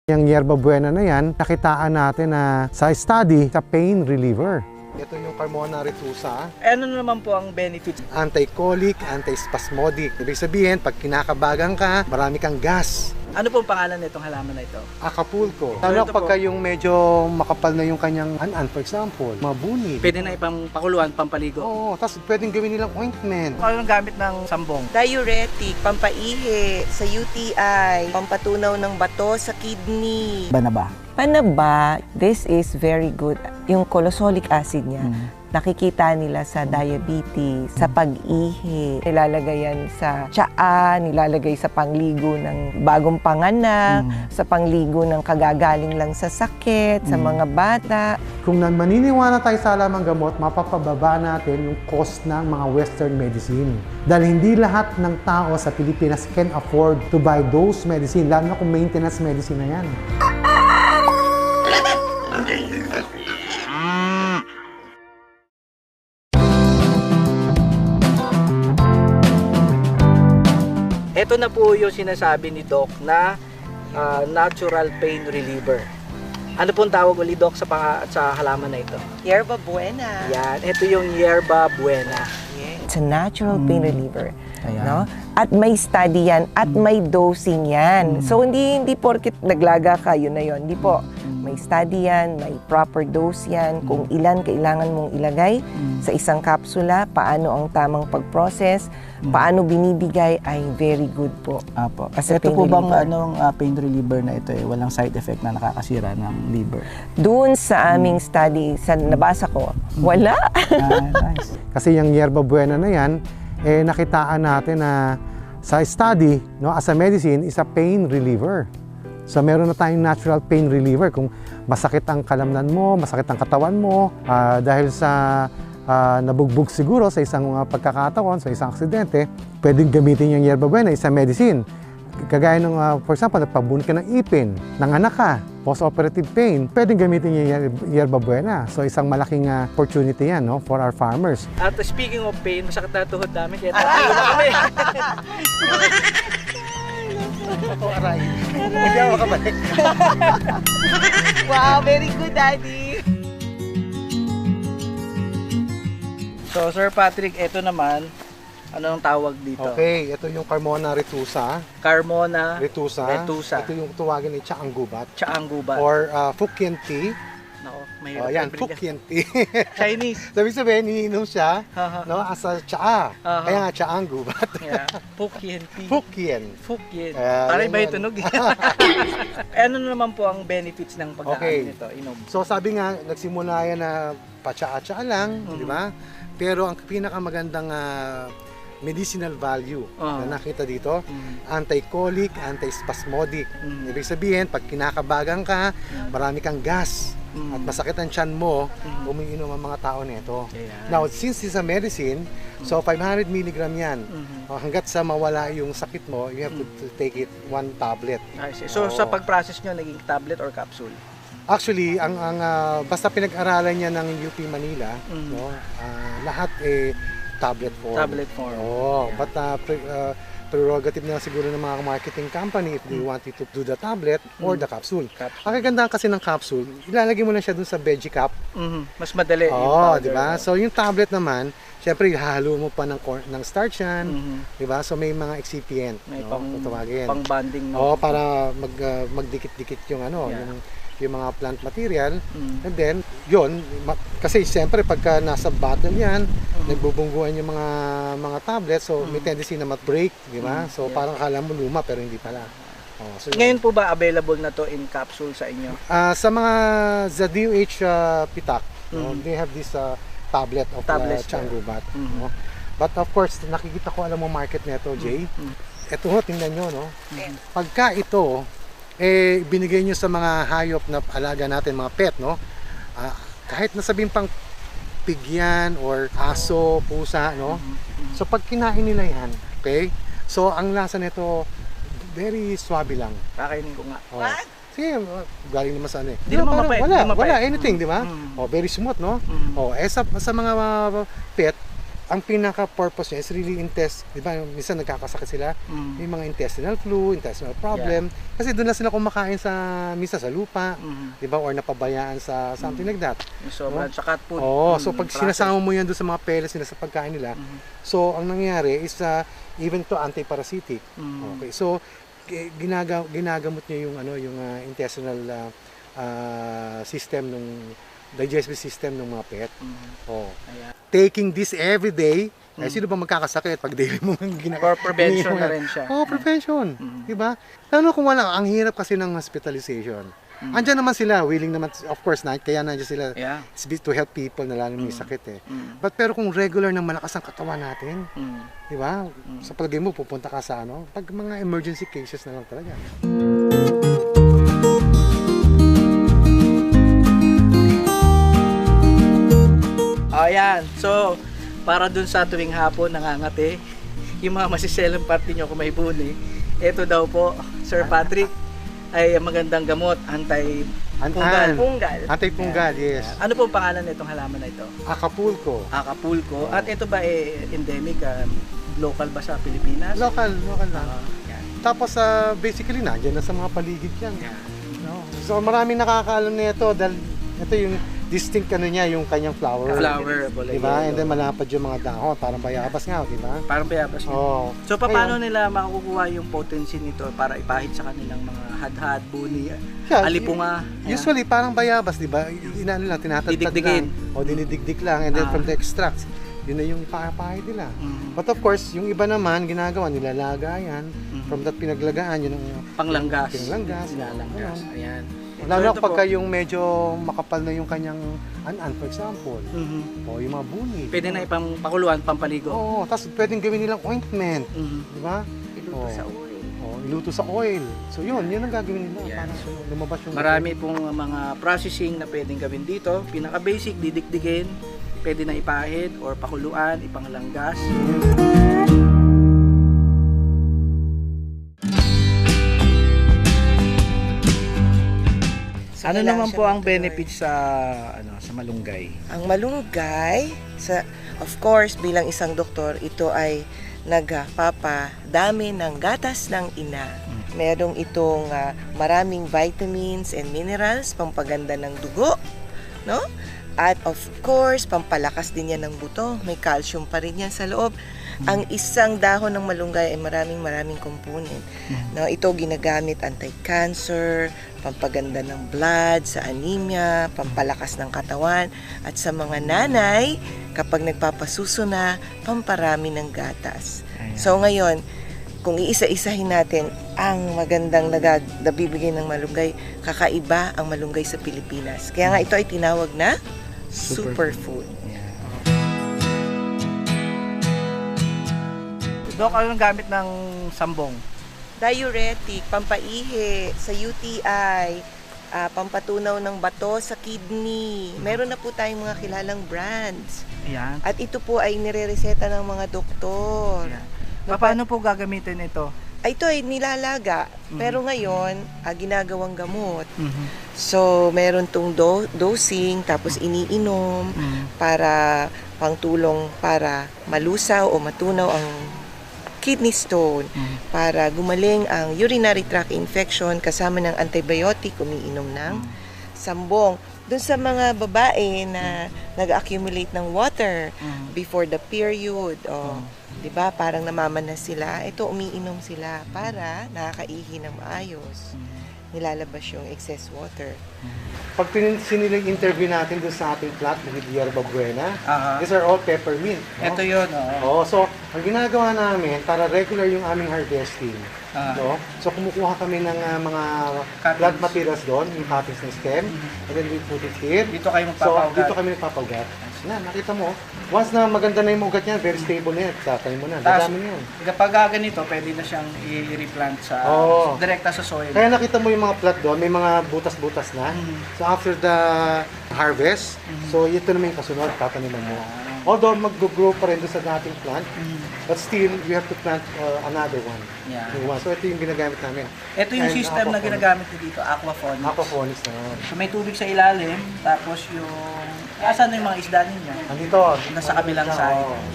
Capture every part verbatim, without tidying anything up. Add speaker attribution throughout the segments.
Speaker 1: Yung Yerba Buena na yan, nakitaan natin na sa study, sa pain reliever. Ito yung Carmona retusa.
Speaker 2: Ano naman po ang benefits?
Speaker 1: Anti-colic, anti-spasmodic. Ibig sabihin, pag kinakabagan ka, marami kang gas.
Speaker 2: Ano pong pangalan nitong halaman na ito?
Speaker 1: Acapulco.
Speaker 2: So,
Speaker 1: Lalo
Speaker 2: ito
Speaker 1: pagka
Speaker 2: po.
Speaker 1: yung medyo makapal na yung kanyang anan, for example, mabuni.
Speaker 2: Pwede na ipang pakuluan, pampaligo.
Speaker 1: Oo, tapos pwedeng gawin nilang ointment.
Speaker 2: Ano ang gamit ng sambong?
Speaker 3: Diuretic, pampaihi sa U T I, pampatunaw ng bato sa kidney.
Speaker 2: Banaba.
Speaker 3: Panaba, this is very good. Yung colosolic acid niya,
Speaker 2: Mm.
Speaker 3: nakikita nila sa diabetes, sa pag-ihi. Nilalagay yan sa tsaa, nilalagay sa pangligo ng bagong panganak,
Speaker 2: Mm.
Speaker 3: sa pangligo ng kagagaling lang sa sakit, sa
Speaker 2: Mm.
Speaker 3: mga bata.
Speaker 1: Kung nan maniniwala tayo sa alamang gamot, mapapababa natin yung cost ng mga Western medicine. Dahil hindi lahat ng tao sa Pilipinas can afford to buy those medicine, lalo na kung maintenance medicine na yan.
Speaker 2: Ito na po yung sinasabi ni Doc na ah, natural pain reliever. Ano pong tawag ulit, Doc, sa, pang, sa halaman na ito?
Speaker 3: Yerba Buena.
Speaker 2: Yan, ito yung Yerba Buena.
Speaker 3: It's a natural pain reliever.
Speaker 2: Ayan.
Speaker 3: No? At may study yan, at may dosing yan. So, hindi hindi porket naglaga ka, yun na yun. Hindi po. May study yan, may proper dose yan, kung ilan kailangan mong ilagay sa isang kapsula, paano ang tamang pag-process, paano binibigay, ay very good po.
Speaker 4: Apo.
Speaker 3: As a
Speaker 4: Ito
Speaker 3: pain
Speaker 4: po bang
Speaker 3: reliever.
Speaker 4: anong ah, pain reliever na ito eh, walang side effect na nakakasira ng liver?
Speaker 3: Doon sa aming study, sa nabasa ko, wala.
Speaker 4: Ah, nice.
Speaker 1: Kasi yung Yerba Buena na yan, eh, nakitaan natin na sa study, no, as a medicine, is a pain reliever. So meron na tayong natural pain reliever. Kung masakit ang kalamnan mo, masakit ang katawan mo, ah, dahil sa ah, nabugbog siguro sa isang uh, pagkakataon, sa isang aksidente, pwedeng gamitin yung Yerba Buena, isang medicine. Kagaya ng, uh, for example, nagpabunot ka ng ipin, nanganak ka, post-operative pain, pwedeng gamitin yung Yer- Yerba Buena. So isang malaking uh, opportunity yan, no, for our farmers.
Speaker 2: At speaking of pain, masakit na tuhod namin, kaya tayo na kami.
Speaker 1: Oh, aray. Hindi ako makabalik.
Speaker 3: Wow, very good, Daddy.
Speaker 2: So, Sir Patrick, ito naman, ano ang tawag dito?
Speaker 1: Okay, ito yung Carmona retusa.
Speaker 2: Carmona
Speaker 1: Retusa.
Speaker 2: retusa.
Speaker 1: Ito yung tuwagin ni Chaang Gubat.
Speaker 2: Chaang Gubat.
Speaker 1: Or uh, Fukien tea.
Speaker 2: Nako,
Speaker 1: Oh,
Speaker 2: mahirap.
Speaker 1: yan,
Speaker 2: i-bring.
Speaker 1: Fukien tea.
Speaker 2: Chinese.
Speaker 1: Sabi sabihin, iniinom siya,
Speaker 2: Haha.
Speaker 1: no, as a tsaa.
Speaker 2: Aha.
Speaker 1: Kaya nga Chaang Gubat.
Speaker 2: Yeah. Fukien tea.
Speaker 1: Fukien.
Speaker 2: Fukien.
Speaker 1: Ah,
Speaker 2: Para
Speaker 1: yan
Speaker 2: iba yung
Speaker 1: yan.
Speaker 2: tunog. Eh, ano naman po ang benefits ng pagkain
Speaker 1: Okay.
Speaker 2: nito? Inom.
Speaker 1: So sabi nga, nagsimula yan na patsaa-tsaa lang,
Speaker 2: Mhm.
Speaker 1: di ba? Pero ang pinakamagandang ah, medicinal value
Speaker 2: Ah.
Speaker 1: na nakita dito,
Speaker 2: Mm.
Speaker 1: anti-colic, anti-spasmodic.
Speaker 2: Mm.
Speaker 1: Ibig sabihin, pag kinakabagan ka, marami kang gas
Speaker 2: Mm.
Speaker 1: at masakit ang tiyan mo,
Speaker 2: Mm.
Speaker 1: umiinom ang mga tao nito.
Speaker 2: Ayan.
Speaker 1: Now, since it's a medicine, so five hundred milligram yan.
Speaker 2: Mhm.
Speaker 1: Uh, hanggat sa mawala yung sakit mo, you have to, to take it one tablet.
Speaker 2: I see. So,
Speaker 1: Oo.
Speaker 2: sa pag-process nyo, naging tablet or capsule?
Speaker 1: Actually, ang ang ah, basta pinag-aralan niya ng U P Manila,
Speaker 2: Mm.
Speaker 1: no, ah, lahat eh tablet form.
Speaker 2: Tablet form.
Speaker 1: Oo,
Speaker 2: Yeah.
Speaker 1: but uh, pre- ah, prerogative na siguro ng mga marketing company if they want you to do the tablet or
Speaker 2: Mm.
Speaker 1: the capsule.
Speaker 2: Capsule.
Speaker 1: Ang kagandahan kasi ng capsule, ilalagay mo lang siya dun sa veggie cup.
Speaker 2: Mhm. Mas madali. yung
Speaker 1: Oo,
Speaker 2: powder.
Speaker 1: di ba? So yung tablet naman, syempre hahalo mo pa ng corn, ng starch yan,
Speaker 2: Mhm.
Speaker 1: di ba? So may mga excipient,
Speaker 2: May
Speaker 1: no,
Speaker 2: pang,
Speaker 1: kung tawagin.
Speaker 2: pang bonding. No?
Speaker 1: Oo, para mag ah, magdikit-dikit yung ano,
Speaker 2: Yeah.
Speaker 1: yung yung mga plant material.
Speaker 2: Mm.
Speaker 1: And then, yun, ma- kasi siyempre pagka nasa bottle yan,
Speaker 2: Mm.
Speaker 1: nagbubungguan yung mga mga tablets, so may tendency na mag-break, di ba?
Speaker 2: Mm,
Speaker 1: So
Speaker 2: yeah.
Speaker 1: parang akala mo luma pero hindi pala. Oh, so, yun.
Speaker 2: Ngayon po ba available na to in capsule sa inyo?
Speaker 1: Ah, sa mga Z D U H uh, Pitak, no,
Speaker 2: Mm.
Speaker 1: they have this uh, tablet of uh,
Speaker 2: Tablets,
Speaker 1: Changubat.
Speaker 2: Mm.
Speaker 1: No? But of course, nakikita ko alam mo market nito, Jay.
Speaker 2: Mm.
Speaker 1: Ito ho, tingnan nyo, no?
Speaker 2: Mm.
Speaker 1: Pagka ito, eh, binigay nyo sa mga hayop na alaga natin, mga pet, no? Ah, kahit nasabing pang pigyan or aso, pusa, no? So pag kinain nila yan, okay? So ang lasa nito, very swabe lang.
Speaker 2: Kakainin ko nga.
Speaker 1: Oh. Sige, galing naman sa ano eh.
Speaker 2: Di naman
Speaker 1: parang
Speaker 2: mapait,
Speaker 1: wala,
Speaker 2: di mapait.
Speaker 1: wala, anything, di ba?
Speaker 2: Mm.
Speaker 1: Oh, very smooth, no?
Speaker 2: Mm.
Speaker 1: Oh, eh sa, sa mga uh, pet, ang pinaka-purpose niya is really intest, di ba, minsan nagkakasakit sila,
Speaker 2: Mm.
Speaker 1: may mga intestinal flu, intestinal problem, kasi doon na sila kumakain sa, minsan sa lupa,
Speaker 2: Mhm.
Speaker 1: di ba, or napabayaan sa something like that.
Speaker 2: Yung sobrang sa cat food.
Speaker 1: Oo,
Speaker 2: Mm,
Speaker 1: so pag
Speaker 2: process.
Speaker 1: sinasama mo yan doon sa mga pellets nila sa pagkain nila,
Speaker 2: Mhm.
Speaker 1: so ang nangyayari is uh, even to anti-parasitic.
Speaker 2: Mm.
Speaker 1: Okay, so gi- ginaga, ginagamot niya yung ano, yung uh, intestinal uh, uh, system ng digestive system ng mga pet.
Speaker 2: Mhm.
Speaker 1: Oh.
Speaker 2: Ayan.
Speaker 1: Taking this every day, eh,
Speaker 2: Mm.
Speaker 1: sino ba magkakasakit pag daily mo ginagawa?
Speaker 2: For prevention na rin siya.
Speaker 1: Oh, prevention.
Speaker 2: Mm.
Speaker 1: 'Di ba? Lalo kung wala, ang hirap kasi ng hospitalization.
Speaker 2: Mm.
Speaker 1: Andiyan naman sila, willing naman, of course, na, kaya nandiyan sila
Speaker 2: Yeah.
Speaker 1: it's to help people na lalo may sakit eh.
Speaker 2: Mm.
Speaker 1: But pero kung regular na malakas ang katawan natin,
Speaker 2: Mm.
Speaker 1: 'di ba? Sa palagay mo pupunta ka sa ano, pag mga emergency cases na lang talaga.
Speaker 2: Ayan. So, para dun sa tuwing hapon nangangati, yung mga masiselang party nyo kung may buni, ito daw po, Sir Patrick, ay magandang gamot, anti-punggal.
Speaker 1: An-
Speaker 3: Punggal.
Speaker 1: Anti-punggal, yes.
Speaker 2: Ano po ang pangalan nitong halaman na ito?
Speaker 1: Acapulco.
Speaker 2: Acapulco. At ito ba eh, endemic, ah, local ba sa Pilipinas?
Speaker 1: Local, local lang.
Speaker 2: Ah, yan.
Speaker 1: Tapos uh, basically nandiyan na sa mga paligid yan.
Speaker 2: Yan.
Speaker 1: No? So maraming nakakaalam nito dahil ito yung distinct ano niya, yung kanyang flower.
Speaker 2: Flower. Bolero.
Speaker 1: Di ba? And then malapad yung mga dahon, parang bayabas nga, di ba?
Speaker 2: Parang bayabas yun.
Speaker 1: Oh.
Speaker 2: So, paano nila makukuha yung potency nito para ipahid sa kanilang mga hadhad, buni,
Speaker 1: Yeah,
Speaker 2: alipunga? Ayan.
Speaker 1: Usually parang bayabas, di ba? Inano lang, tinatagtad
Speaker 2: Didikdikin.
Speaker 1: lang. O dinidigdig lang. And then
Speaker 2: Ah.
Speaker 1: from the extracts, yun na yung pahid nila.
Speaker 2: Mm.
Speaker 1: But of course, yung iba naman, ginagawa, nilalagayan.
Speaker 2: Mhm.
Speaker 1: From that pinaglagaan, yun ang
Speaker 2: Panglanggas.
Speaker 1: Pinglanggas.
Speaker 2: Pinalanggas.
Speaker 1: Ganun.
Speaker 2: Ayan.
Speaker 1: lalo
Speaker 2: So,
Speaker 1: na
Speaker 2: ito
Speaker 1: pagka
Speaker 2: po.
Speaker 1: yung medyo makapal na yung kanyang an-an, for example.
Speaker 2: Mhm.
Speaker 1: O yung mga buni.
Speaker 2: Pwede na ipang pakuluan, pampaligo.
Speaker 1: Oo, tapos pwedeng gawin nilang ointment.
Speaker 2: Mhm.
Speaker 1: Di ba?
Speaker 3: Iluto
Speaker 1: Oo.
Speaker 3: sa oil.
Speaker 1: O, iluto sa oil. So yun, yun ang gagawin nila.
Speaker 2: Yan.
Speaker 1: Para lumabas yung...
Speaker 2: Marami pong mga processing na pwedeng gawin dito. Pinaka-basic, didikdigin, pwede na ipahid or pakuluan, ipanglanggas.
Speaker 3: So,
Speaker 2: Ano
Speaker 3: kailangan
Speaker 2: naman
Speaker 3: siya
Speaker 2: po ang
Speaker 3: matuloy.
Speaker 2: benefits sa ano sa malunggay?
Speaker 3: Ang malunggay, sa, of course, bilang isang doktor, ito ay nagpapadami ng gatas ng ina. Merong itong ah, maraming vitamins and minerals, pampaganda ng dugo, no? At of course, pampalakas din yan ng buto. May calcium pa rin yan sa loob. Ang isang dahon ng malunggay ay maraming maraming component. No, ito ginagamit anti-cancer, pampaganda ng blood, sa anemia, pampalakas ng katawan, at sa mga nanay, kapag nagpapasuso na, pamparami ng gatas. So ngayon, kung iisa-isahin natin ang magandang nagag nabibigay ng malunggay, kakaiba ang malunggay sa Pilipinas. Kaya nga ito ay tinawag na superfood.
Speaker 2: Dok, anong gamit ng sambong?
Speaker 3: Diuretic, pampaihi, sa U T I, ah, pampatunaw ng bato sa kidney. Meron na po tayong mga kilalang brands.
Speaker 2: Ayan.
Speaker 3: At ito po ay nirereseta ng mga doktor.
Speaker 2: Ayan. Paano po gagamitin ito?
Speaker 3: Ay, ito ay nilalaga. Pero ngayon, ah, ginagawang gamot.
Speaker 2: Mhm.
Speaker 3: So, meron tong do- dosing, tapos iniinom
Speaker 2: Mhm.
Speaker 3: para pangtulong para malusaw o matunaw ang kidney stone,
Speaker 2: Mhm.
Speaker 3: para gumaling ang urinary tract infection kasama ng antibiotic, umiinom ng sambong. Doon sa mga babae na nag-accumulate ng water
Speaker 2: Mhm.
Speaker 3: before the period, o, 'di ba, parang namamanas sila, ito umiinom sila para nakakaihi ng maayos. Nilalabas yung excess water.
Speaker 1: Pag tin- sinilang interview natin doon sa ating plant ng Hierba Buena,
Speaker 2: Aha.
Speaker 1: these are all peppermint. No?
Speaker 2: Ito yun, oo.
Speaker 1: Oo, so ang ginagawa namin para regular yung aming harvesting.
Speaker 2: Ah.
Speaker 1: No? So kumukuha kami ng ah, mga
Speaker 2: Cuttings.
Speaker 1: plant materials doon, yung cuttings ng stem, and then we put it here.
Speaker 2: Dito kayo
Speaker 1: So
Speaker 2: magpapaugat.
Speaker 1: dito kami nagpapaugat. Na, nakita mo, once na maganda na yung ugat niyan, very stable na yan, tatanim mo na,
Speaker 2: Tas,
Speaker 1: dadami na yun.
Speaker 2: kapag ah, ganito, pwede na siyang i-replant sa,
Speaker 1: Oo.
Speaker 2: direkta sa soil.
Speaker 1: Kaya nakita mo yung mga plant doon, may mga butas-butas na.
Speaker 2: Mhm.
Speaker 1: So after the harvest. So ito naman yung kasunod, tataniman mo. Although mag-grow pa rin doon sa dating plant, but still, we have to plant uh, another one.
Speaker 2: Yeah.
Speaker 1: New one. So ito yung ginagamit namin.
Speaker 2: Ito yung
Speaker 1: And
Speaker 2: system na
Speaker 1: aquaponics.
Speaker 2: ginagamit ko dito, aquaponics.
Speaker 1: Aquaponics naman.
Speaker 2: So may tubig sa ilalim, tapos yung... Asan na yung mga isda ninyo?
Speaker 1: Andito.
Speaker 2: Nasa kabilang side.
Speaker 1: Oo.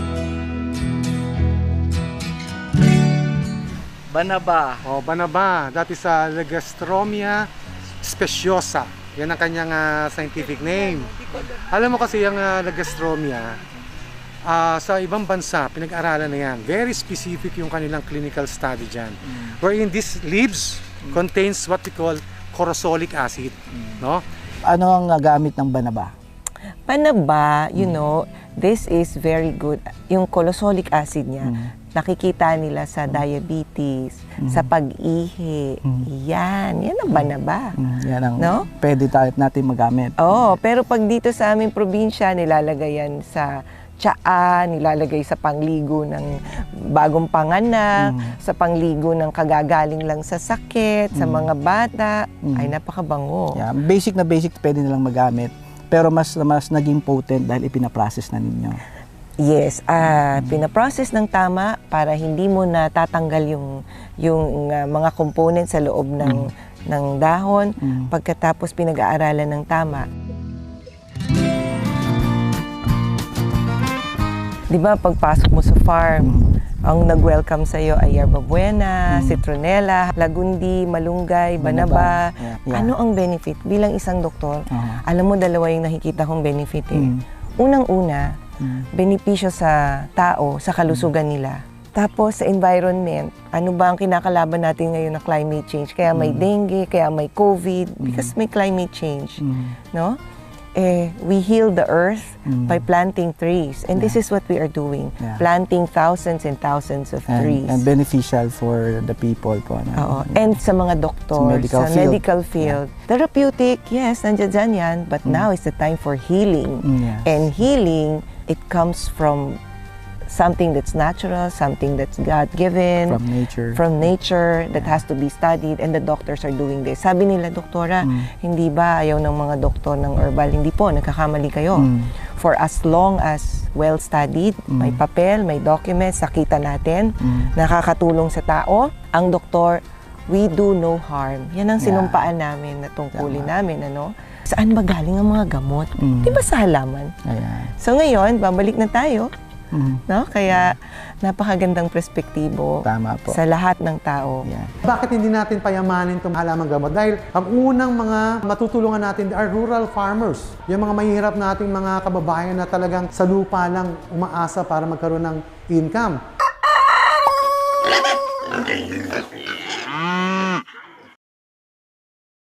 Speaker 2: Banaba.
Speaker 1: Oh, banaba. That is uh, Legastromia speciosa. Yan ang kanyang uh, scientific name. Alam mo kasi yung uh, Legastromia, uh, sa ibang bansa, pinag-aralan na yan. Very specific yung kanilang clinical study dyan. Mm. Wherein these leaves mm. contains what we call corosolic acid. Mm. No?
Speaker 4: Ano ang uh, gamit ng banaba?
Speaker 3: Panaba, you know, this is very good. Yung colosolic acid niya,
Speaker 4: Mm.
Speaker 3: nakikita nila sa diabetes,
Speaker 4: Mm.
Speaker 3: sa pag-ihi.
Speaker 4: Mm.
Speaker 3: Yan, yan ang banaba.
Speaker 4: Mm, yan ang
Speaker 3: No?
Speaker 4: pwede tayo natin magamit.
Speaker 3: Oo, pero pag dito sa aming probinsya, nilalagay yan sa tsaa, nilalagay sa pangligo ng bagong panganak,
Speaker 4: Mm.
Speaker 3: sa pangligo ng kagagaling lang sa sakit, sa
Speaker 4: Mm.
Speaker 3: mga bata.
Speaker 4: Mm.
Speaker 3: Ay, napakabango.
Speaker 4: Yeah, basic na basic pwede nilang magamit. Pero mas mas naging potent dahil ipinaprocess na ninyo.
Speaker 3: Yes, ah pinaprocess ng tama para hindi mo natatanggal yung yung ah, mga components sa loob ng ng dahon.
Speaker 4: Mm.
Speaker 3: Pagkatapos pinag-aaralan ng tama. 'Di ba pagpasok mo sa farm, ang nag-welcome sa iyo ay yerba buena, citronella, lagundi, malunggay, banaba.
Speaker 4: Yeah, yeah.
Speaker 3: Ano ang benefit bilang isang doktor?
Speaker 4: Uh-huh.
Speaker 3: Alam mo, dalawa yung nakikita kong benefit eh.
Speaker 4: Mm.
Speaker 3: Unang-una,
Speaker 4: Mm.
Speaker 3: benepisyo sa tao, sa kalusugan nila. Tapos sa environment, ano ba ang kinakalaban natin ngayon na climate change? Kaya may dengue, kaya may COVID, because may climate change.
Speaker 4: Mm.
Speaker 3: No? Eh, we heal the earth
Speaker 4: Mm.
Speaker 3: by planting trees. And this is what we are doing.
Speaker 4: Yeah.
Speaker 3: Planting thousands and thousands of
Speaker 4: And,
Speaker 3: trees.
Speaker 4: and beneficial for the people po. No?
Speaker 3: Oo. And sa mga doktor,
Speaker 4: Sa medical
Speaker 3: sa
Speaker 4: field.
Speaker 3: medical field. Therapeutic, yes, nandiyan dyan yan. But now is the time for healing.
Speaker 4: Mm, yes.
Speaker 3: And healing, it comes from something that's natural, something that's God-given,
Speaker 4: From nature.
Speaker 3: from nature, that has to be studied, and the doctors are doing this. Sabi nila, doktora,
Speaker 4: Mm.
Speaker 3: hindi ba ayaw ng mga doktor ng herbal? Hindi po, nagkakamali kayo.
Speaker 4: Mm.
Speaker 3: For as long as well-studied,
Speaker 4: Mm.
Speaker 3: may papel, may documents, sakita natin,
Speaker 4: Mm.
Speaker 3: nakakatulong sa tao, ang doktor, we do no harm. Yan ang
Speaker 4: Yeah.
Speaker 3: sinumpaan namin na tungkulin
Speaker 4: Tama.
Speaker 3: namin, ano? Saan ba galing ang mga gamot?
Speaker 4: Mm.
Speaker 3: Di ba sa halaman?
Speaker 4: Ayan.
Speaker 3: So ngayon, babalik na tayo,
Speaker 4: Mm.
Speaker 3: no? Kaya napakagandang perspektibo
Speaker 4: Tama po.
Speaker 3: sa lahat ng tao.
Speaker 4: Yan.
Speaker 1: Bakit hindi natin payamanin itong halamang gamot? Dahil ang unang mga matutulungan natin are rural farmers. Yung mga mahihirap nating mga kababayan na talagang sa lupa lang umaasa para magkaroon ng income.